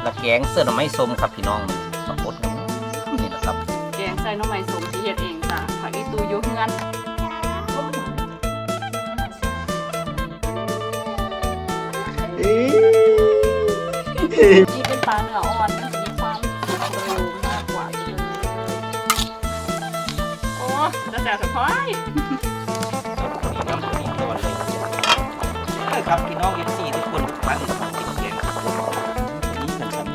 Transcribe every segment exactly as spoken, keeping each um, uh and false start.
ละแกงเสื้อหน่อไม้ส้มครับพี่น้องปรากฏนี่แหละครับแกงใส่หน่อไม้ส้มที่เฮ็ดเองจ้ะผักอีตูอยู่เฮือนนี่เป็นปลาเนื้ออ่อนมันจะมีความเร็วมากกว่าเลยโอ้จะแสบสะพายนี่น้ำตัวนี้ก่อนเลยใช่ครับพี่น้องเอฟซีทุกคนมาเลยครับกินแกงนี่มันทำ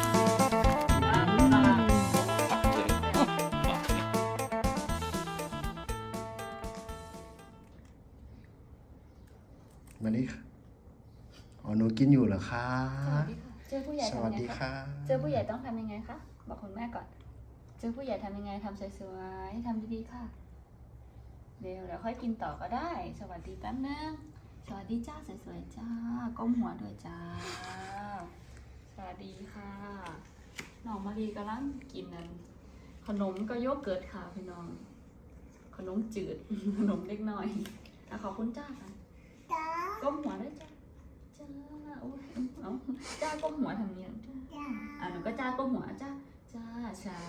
มานี่อ๋อหนูกินอยู่เหรอคะเจอผู้ใหญ่สทำวัสยังไงดีคะค่ะเจอผู้ใหญ่ต้องทำยังไงคะบอกคุณแม่ก่อนเจอผู้ใหญ่ทำยังไงทำสวยๆทำดีๆค่ะเดี๋ยวเดี๋ยวค่อยกินต่อก็ได้ สวัสดีแป๊บนึงสวัสดีจ้าสวยๆจ้าก้มหัวด้วยจ้าสวัสดีค่ะน้องมารีกำลังกินนั่นขนมก็โยเกิร์ตค่ะพี่น้องขนมจืด ขนมเล็กน้อยอ่ะขอบคุณจ้าค่ะก้มหัวด้วยจ้าจ้าโอ้ยเอาจ้าก้มหัวทำเนี้ยจ้าอ่ะหนูก็จ้าก้มหัวจ้าจ้าใช่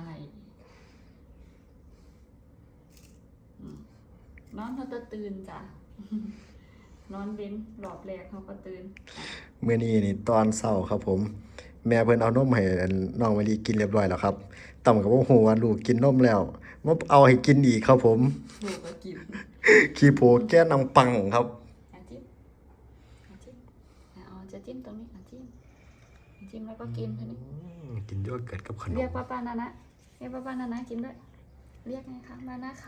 นอนเขาจะตื่นจ้ะ นอนเว้นหลอบแรกเขาก็ตื่นเมื่อนี้นี่ตอนเช้าครับผม แม่เพิ่นเอานมให้น้องมะลิกินเรียบร้อยแล้วครับต่ำกับว่าหัวลูกกินนมแล้วมาเอาให้กินอีกครับผมลูกก็กินขี้โพแก้นังปังครับอาจิ้มอาจิ้มเอาจะจิ้มตรงนี้อาจิ้มจิ้มแล้วก็กินทีนี้กินโยเกิร์ตกับขนมเรียกป้าป้านานะเรียกป้าป้านานะกินด้วยเรียกไงคะมานะคะ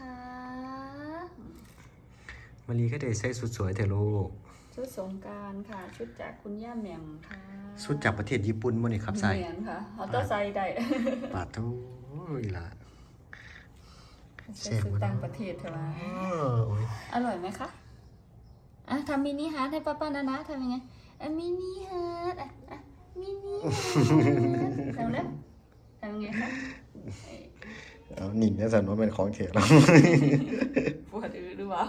มะลิก็ได้ใส่สุดสวยเถอะลูกชุดสงกรานต์ค่ะ ชุดจากคุณย่าแหม่มค่ะสุดจากประเทศญี่ปุ่นมั้งนี่ครับใส่เหมือนค่ะเอาตัวใส่ได้ปาดเท่าอีหล่ะใส่ชุดต่างประเทศเถอะวะโอ้ยอร่อยไหมคะอ่ะทำมินิฮาร์ทให้ป้าป้านานะทำยังไงอ่ะมินิฮาร์ทอ่ะอ่ะมินิฮาร์ททำแล้วทำยังไงคะเอ้ยเอาหนิงเนี่ยสันว่าเป็นของเถียแล้วปวดอือหรือเปล่า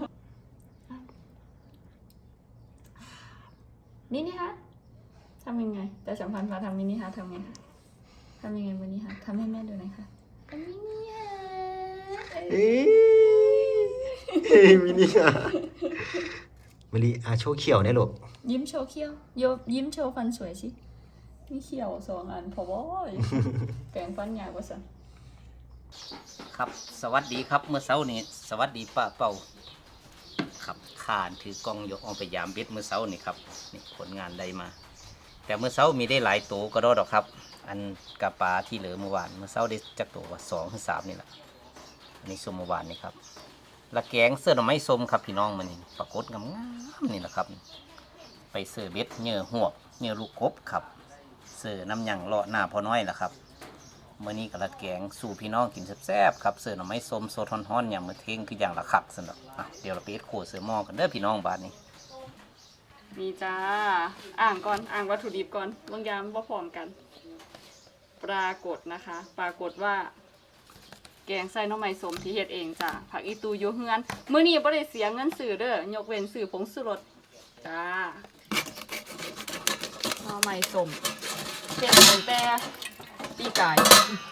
มินิฮาร์ททำยังไงแต่สัมพันธ์พาทำมินิฮาร์ททำไงคะทำยังไงมินิฮาร์ททำให้แม่ดูหน่อยค่ะอ่ะมินิฮาร์ทเอ้ยเฮ้ยมินิอ่ะมะลิอาโชว์เขียวเนี่ยลูกยิ้มโชว์เขี้ยวโยยิ้มโชว์ฟันสวยสิมีเขี้ยวสองอันพอบ่อยแปรงฟันยาวกว่าสันครับสวัสดีครับเมื่อเช้านี้สวัสดีป้าเป่าครับขานถือกล้องยกออกไปยามเบ็ดเมื่อเช้านี่ครับนี่ผลงานได้มา แต่เมื่อเช้ามีได้หลายตัวก็รอดหรอกครับ อันกระปลาที่เหลือเมื่อวานเมื่อเช้าได้จักตัวว่าสองถึงสามนี่แหละอันนี้ส้มเมื่อวานนี่ครับละแกงเสื้อหน่อไม้ส้มครับพี่น้องมันนี่ปรากฏงามๆนี่แหละครับ ไปเสื้อเบ็ดเหยื่อหวกเหยื่อลูกกบครับเสื้อน้ำยังเลาะหน้าพอน้อยแหละครับเมื่อนี้กับละแกงสู่พี่น้องกินแซ่บๆครับเสื้อหน่อไม้ส้มโซทอนฮ้อนอย่างมือเท่งคืออย่างละขักสนุกอ่ะเดี๋ยวเราไปเอ็ดโคเสื้อหม้อกันเด้อพี่น้องบ้านนี้นี่จ้าอ่างก่อนอ่างวัตถุดิบก่อนบางยามว่าพร้อมกัน ปรากฏนะคะ ปรากฏว่า แกงใส่หน่อไม้ส้มที่เฮ็ดเองจ้ะผักอีตูอยู่เฮือนมื้อนี้บ่ได้เสียเงินซื้อเด้อยกเว้นซื้อผงชูรสจ้าหน่อไม้ส้มเฮ็ดตั้งแต่ปีกาย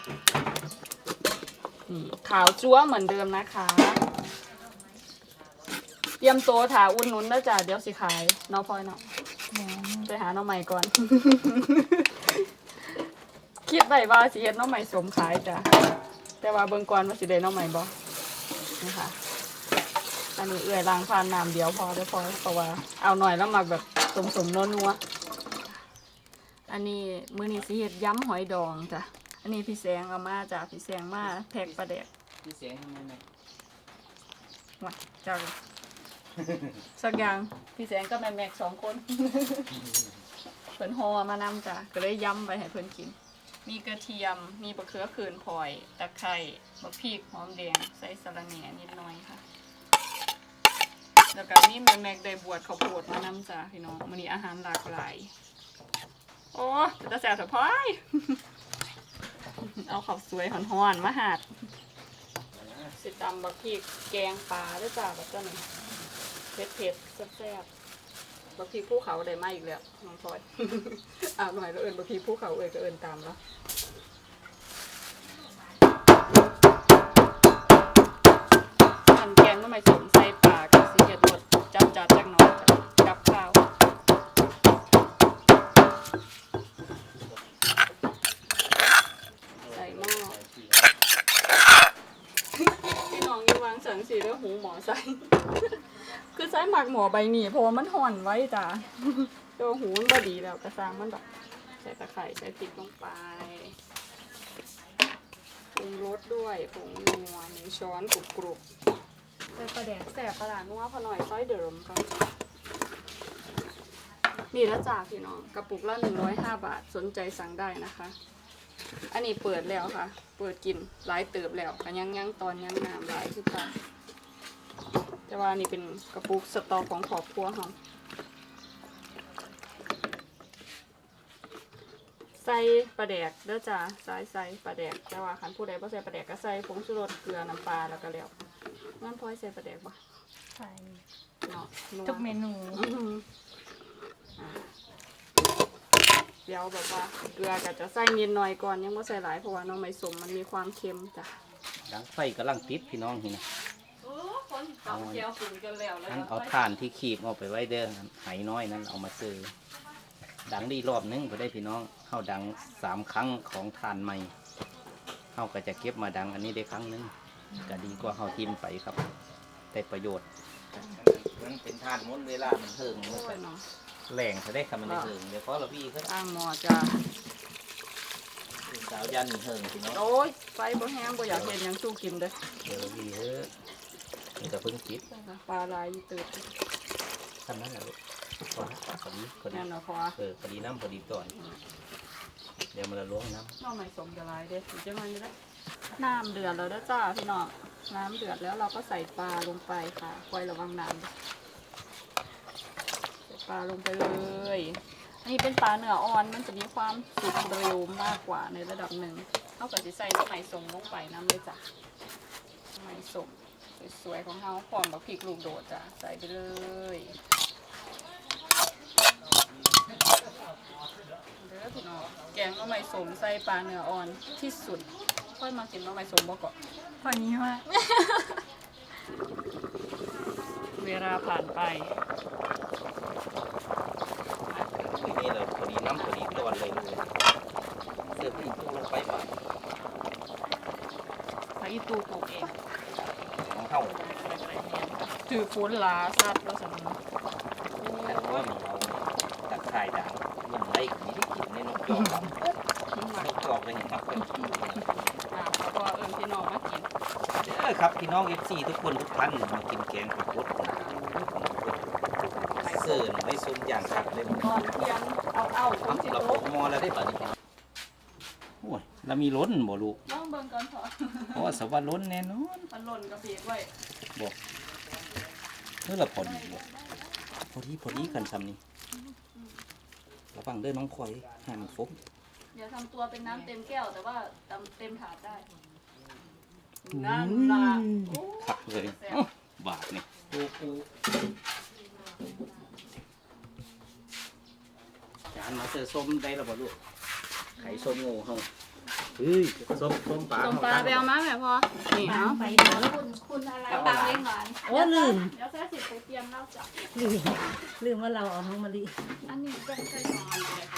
นี่ขาวจั๊วเหมือนเดิมนะคะเตรียมตัวถาอุ่นนุนแล้วจ้ะเดี๋ยวสิขายเนาะพลอยเนาะไปหาหน่อไม้ก่อน คิดไว้ว่าสิเฮ็ดหน่อไม้ส้มขายจ้ะแต่ว่าเบิ่งก่อนว่าสิได้หน่อไม้บ่นะคะอันนี้เอื้อยล้างผ่านน้ำเดียวพอได้อพอเพราะว่าเอาหน่อยแล้วหมักแบบสมๆนัวๆอันนี้มื้อนี้สิเฮ็ดยำหอยดองจ้ะอันนี้พี่แสงเอามาจ้ะพี่แสงมาแพ็คปลาแดกพี่เสียงทำไมเนี่ยว่าจ้าสักอย่างพี่แสงก็แม่แม็กสองคน เพิ่นห่อมานำจ้ะก็เลยยำไปให้เพิ่นกินมีกระเทียมมีบะเขือขืนพลอยตะไคร้บะพริกหอมแดงใส่สะระแหน่นิดหน่อยค่ะแล้วก็มีแม่แม็กได้บวชข้าวโพดมานำจ้ะพี่น้องมื้อนี้อาหารหลากหลายโอ้จะแซ่บสะพาย เอาข้าวสวยห่อนๆมาหาดสิตำบักพริกแกงปลาด้วยจ้าแบบนี้เผ็ดๆแซ่บๆบักพีภูเขาได้มาอีกแล้วน้องพลอย อาบหน่อยแล้วเอิญบักพีภูเขาเอิญก็เอิญตามแล้วอันแกงก็ไม่สมใส่ปลากับสีเห็ดรสจัดจัดจังน้อยกับข้าวใส่หม้อพี่น้องอยู่วางสังสีแล้วหูหมอใส่ คือใช้หมักหมอใบหมี่เพราะว่ามันห่อนไว้จ้ะ ตัวหูมันบดีแล้วกระซังมันแบบใส่ตะไคร้ใส่พริกลงไปปรุงรสด้วยผงนัวหนึ่งช้อนกรุบกรุบใส่ปลาแดกแสบปลาหลานัวพอหน่อยซอยเดิมก็นี่แล้วจ้าพี่น้องกระปุกละหนึ่งร้อยห้าบาทสนใจสั่งได้นะคะ อันนี้เปิดแล้วค่ะ เปิดกินหลายเติบแล้วกันยังยังตอนยังน้ำหลายคือกันแต่ว่านี่เป็นกระปุกสตอของครอบครัวเขาใส่ปลาแดกเด้อจ้าใส่ใส่ปลาแดกแต่ว่าคันผู้ใดบ่ใส่ปลาแดกก็ใส่ผงชูรสเกลือน้ำปลาแล้วก็แล้วน้ำพลอยใส่ปลาแดกบ่ใส่เนาะนัวทุกเมนูอื้อหืออ่าเดี๋ยวแบบว่าเกลือก็จะใส่นิดหน่อยก่อนยังบ่ใส่หลายเพราะว่าน้องไม่สมมันมีความเค็มจ้ะดังไฟกำลังติดพี่น้องนี่นะโอ้คนตับเจียวฝุ่นกันแล้วแล้วนั้นเอาถ่านที่ขีบเอาไปไว้เด้อไหน้อยนั้นเอามาซื้อดังดีรอบนึงก็ได้พี่น้องเข้าดังสามครั้งของถ่านใหม่เข้าก็จะเก็บมาดังอันนี้ได้ครั้งนึงก็ดีกว่าเข้าทิมไปครับได้ประโยชน์มันเป็นถ่านม้วนเวลามันเทิงโอ้ยเนาะแหล่งถ้าได้คำมันได้เทิงเดี๋ยวเพราะเราพี่เขาตั้งหม้อจ้ะสาวยันเทิงพี่น้องโอ้ยไฟบ่แห้งบ่อยากเห็นหยังสู้กินเด้อเดี๋ยวพี่เฮ้ยนี่ก็เพิ่งคิดปลาลายอยู่ตื่นทำนั้นแหละลูกพอละพอดีพอดีนั่นเนาะพอเออพอดีน้ำพอดีก่อนเดี๋ยวมันละล้วงน้ำน้องใหม่สมจะลายเด้อสิจะมันได้น้ำเดือดแล้วเด้อจ้าพี่น้องน้ำเดือดแล้วเราก็ใส่ปลาลงไปค่ะคอยระวังน้ำด้วยใส่ปลาลงไปเลยอันนี้เป็นปลาเนื้ออ่อนมันจะมีความสุกเร็วมากกว่าในระดับหนึ่งเท่ากับจะใส่น้ำใหม่สมลงไปน้ำเลยจ้ะน้ำใหม่สมสวยๆของเราพร้อมกับพริกลูกโดดจ้ะใส่ไปเลยเด้อพี่น้องแกงน้ำใหม่สมใส่ปลาเนื้ออ่อนที่สุดค่อยมากินน้ำใหม่สมบ่ก่อนพอนี้ว่าเวลาผ่านไปทีนี้เราพอดีน้ำพอดีตอนเลยเลยเสิร์ฟอีกตู้ลงไปบ้างพระอีตูปลูกเองของเข้าถือฟุ้นลาซัดแล้วสันแต่ว่ามันเอาตะไคร่ด่างมันไล่ไม่ได้กินในนกจอกครับนกจอกเลยครับอ่าแล้วก็เอิญพี่น้องมากินเด้อครับพี่น้องเอฟซีทุกคนทุกท่านมากินแกงผักบดเสิร์ฟไว้ซุ้มอย่างครับเลยตอนเที่ยงเอาเอาๆคนสิเราโต๊ะปมอแล้วได้ป่ะนี่โอ้ยเรามีล้นบ่ลูกน้องเบิ่งก่อนเถอะเพราะว่าสวัสดิ์ล้นแน่นอนมันหล่นกระเบียดไว้บอกเมื่อเราพอดีบ่พอดีพอดีกันซ้ำนี่ระวังเด้อน้องคอยให้มันฟกเดี๋ยวทำตัวเป็นน้ำเต็มแก้วแต่ว่าเต็มถาดได้นั่นล่ะโอ้ขักเลยเอ้าบาทนี่ปูปูจานมาเจอส้มได้แล้วบ่ลูกไข่ส้มโง่เฮาเฮ้ยส้มส้มปลาส้มปลาแบวมาแม่พอนี่เอาไปเดี๋ยวคุณคุณอะไรปลาเลี้ยงหวานโอ้ลืมเดี๋ยวแซ่สิไปเตรียมแล้วจ้ะลืมลืมว่าเราเอาน้องมะลิอันนี้ก็ใส่ซอนไปเลยค่ะ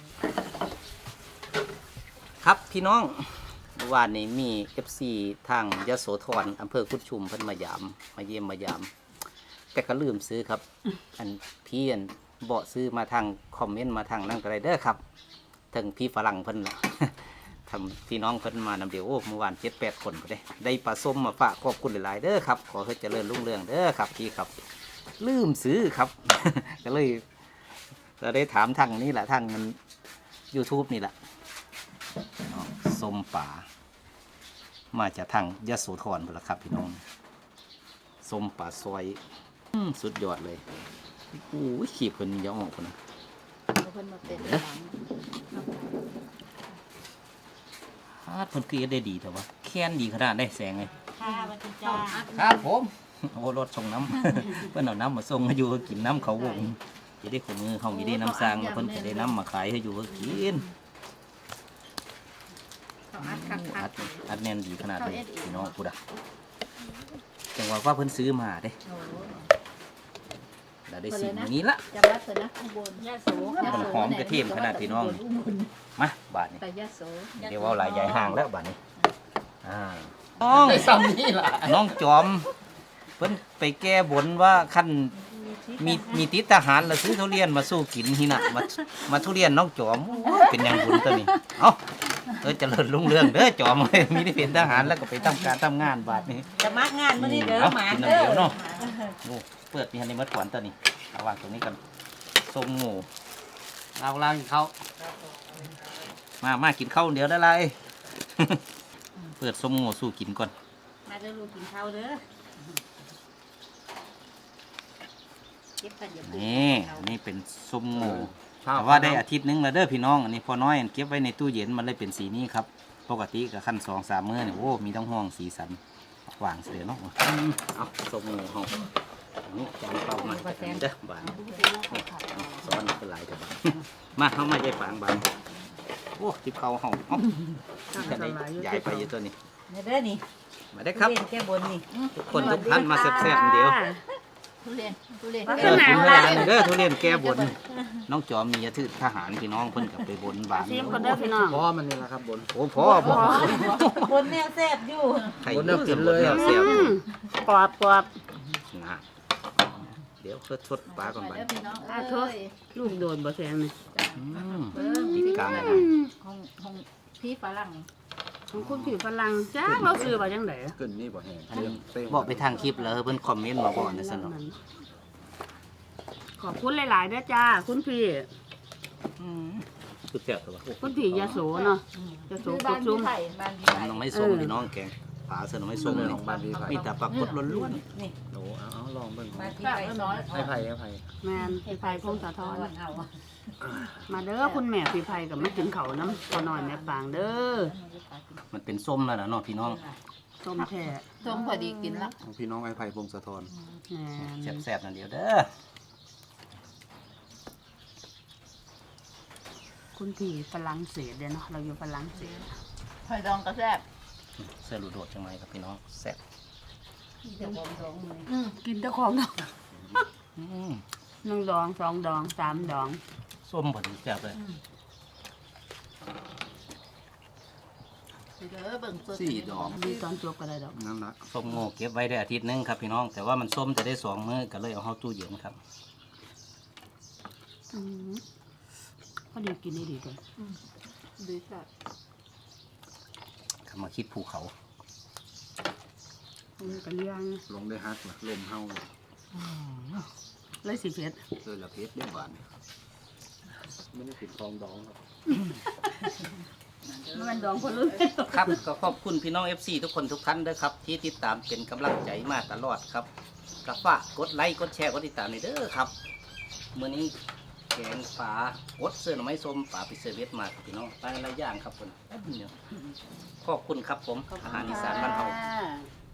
ครับพี่น้องเมื่อวานนี้มี เอฟ ซี ทางยโสธรอำเภอกุดชุมเพิ่นมายามมาเยี่ยมมายามแต่ก็ลืมซื้อครับ อันพี่อันเบาะซื้อมาทางคอมเมนต์มาทางนั่นก็ได้เด้อครับถึงพี่ฝรั่งเพิ่นล่ะ ทำพี่น้องเพิ่นมานำเดียวโอ้เมื่อวานเจ็ดแปดคนก็ได้ได้ปลาส้มมาฝากขอบคุณหลายๆเด้อครับขอให้เจริญรุ่งเรืองเด้อครับพี่ครับ ลืมซื้อครับ ก็เลยเราได้ถามทางนี้แหละทางมัน YouTube นี่แหละอ๋อส้มป่ามาจากทางยโสธรพุ่นล่ะครับพี่น้องส้มป่าซอยอืมสุดยอดเลยโอ้ยขีบเพิ่นอยาออกพุ่นนะเอาเพิ่นมาเต็มหลังฮาดเพิ่นคือได้ดีแต่ว่าแค้นดีขนาดได้แสงเลยค่ะวันจันจ้าครับผมโอ้รถส่งน้ำ เพิ่นเอาน้ำมาส่งมาอยู่กินน้ำเขาวงคือได้ของมือเขามีได้น้ำสร้างมาเพิ่นจะได้น้ำมาขายให้อยู่ก็กินเขาอัดคักอัดอัดแน่นดีขนาดนี้พี่น้องพูดอ่ะจังหวะว่าเพิ่นซื้อมาเด้เราได้สิ่งอย่างนี้ละจะรับเสร็จนะข้างบนยาโสมันหอมกระเทียมขนาดพี่น้องมาบาทนี้แต่ยาโสเดี๋ยวว่าหลายใหญ่ห่างแล้วบาทนี้อ่าน้องซ้ำนี่ล่ะน้องจอมเพิ่นไปแก้บนว่าขั้นมีมีติดทหารแล้วซื้อทุเรียนมาสู้กินที่น่ะมามาทุเรียนน้องจอมโอ้ยเป็นอย่างบุญตัวนี้เอ้าเออเจริญรุ่งเรืองเด้อจอมมีได้เป็นทหารแล้วก็ไปทำการทำงานบาทนี้จะมางานมื้อนี้เด้อเอาหมากินเด้อน้ำเดียวเนาะโอ้เปิดมีฮันนี่มัดขวัญตัวนี้เอาวางตรงนี้กันส้มหมูเอาล่างเขามามากินข้าวเดี๋ยวได้ไร เปิดส้มหมูสู้กินก่อนมาเด้อลูกกินข้าวเด้อเก็บกันอย่าเพิ่งนี่นี่เป็นส้มหมูแต่ว่าได้อาทิตย์หนึงแล้วเด้อพี่น้องอันนี้พอน้อยเก็บไว้ในตู้เย็นมันเลยเป็นสีนี้ครับปกติกับขั้นสองสามมื้อเนี่ยโอ้มีต้องห้องสีสันหวานเสียเนาะเอาส้มหมูห้องอันนี้จานเปล่ามาเด้อบานซ้อนเป็นหลายแต่บานมาเข้ามาใจฝางบานโอ้ทิพเขาห้องเอ้าจะได้ย้ายไปอยู่ตัวนี้มาเด้อนี่มาได้ครับทุเรียนแก้บนนี่ทุกคนทุกท่านมาแซ่บๆเดียวทุเรียนทุเรียนเออทุเรียนเด้อทุเรียนแก้บนน้องจอมมียาทือทหารพี่น้องเพิ่นกับไปบนบานซิมคนเด้อพี่น้องพ่อมันนี่แหละครับบนโอ้พ่อพ่อบนแนวแซ่บอยู่ใครเลือกกินเลยเสียบกรอบกรอบนะเดี๋ยวเพิ่นทดปลาก่อนบัดเด้อพี่น้องอ่ะโทษลูกโดนบ่แซงนี่อืมติดกลางเลยนะของของพี่ฝรั่งของคุณผิวฝรั่งจ้าเราซื้อมาจังได๋เกินนี่บ่แห้งอันนี้บอกไปทางคลิปแล้วเพิ่นคอมเมนต์มาบอกในสนองขอบคุณหลายๆเด้อจ้าคุณพี่คือแซ่บตัวคุณพี่ยาโสเนาะยาโสคือก บ้าดนซุ่พี่มไผ่บ้านพี่ผไผ่มต้องไม่ส้มพี่น้องแกงปลาเสือน้องไม่ส้มเลยของบ้านพี่ไผ่มีแต่ปลากดล้วนนี่โอ้เอาเอาลองเบิ่งมาที่ฝรั่ไปงน้อยให้ไผ่ให้ไผ่แม่นพี่ไผ่พงศธรเอามาเด้อคุณแม่พี่ไผ่กับมากินข้าวน้ำพอน้อยแม่ปางเด้อๆมันเป็นส้มแล้วนะเนาะพี่น้องส้มแท้ส้มพอดีกินละของพี่น้องไอ้ไผ่พงศธรแม่นแซ่บๆนั่นเดียวเด้อคุณพี่ฝรั่งเศสเด้อเนาะเราอยู่ฝรั่งเศสหอยดองก็แซ่บเสื้อลูโดดจังไรครับพี่น้องแซ่บเดี๋ยวผมร้องมืออืมกินแต่ของดองอืมหนึ่งดองสองดองสามดองส้มพอดีแซ่บเลยเด้อเบิ่งสดสี่ดอกดีตอนจบก็ได้ดอกนั่นละส้มโง่เก็บไว้ได้อาทิตย์หนึงครับพี่น้อง แต่ว่ามันส้มจะได้สองมื้อก็เลยเอาเข้าตู้เย็นครับอืมพอดีกินได้ดีเลยดีจัดคำมาคิดภูเขาอืมกันเลี้ยงลงได้ฮักล่ะลมเฮาเลยเลยสิเพชรเจอละเพชรเรียบหวานไม่ได้ติดคลองดองครับมันดองคนรุ่นครับก็ขอบคุณพี่น้อง เอฟ ซี ทุกคนทุกท่านด้วยครับ ที่ติดตามเป็นกำลังใจมาตลอดครับก็ฝากกดไลค์กดแชร์กดติดตามในอยเด้อครับมื้อนี้แกงปลากดเสื้อหน่อไม้ส้มปลาปิเซอร์เวสมาครับพี่น้องไปหลายอย่างครับคนแป๊บเดียวขอบคุณครับผมอาหารอีสานบ้านเฮาอ่า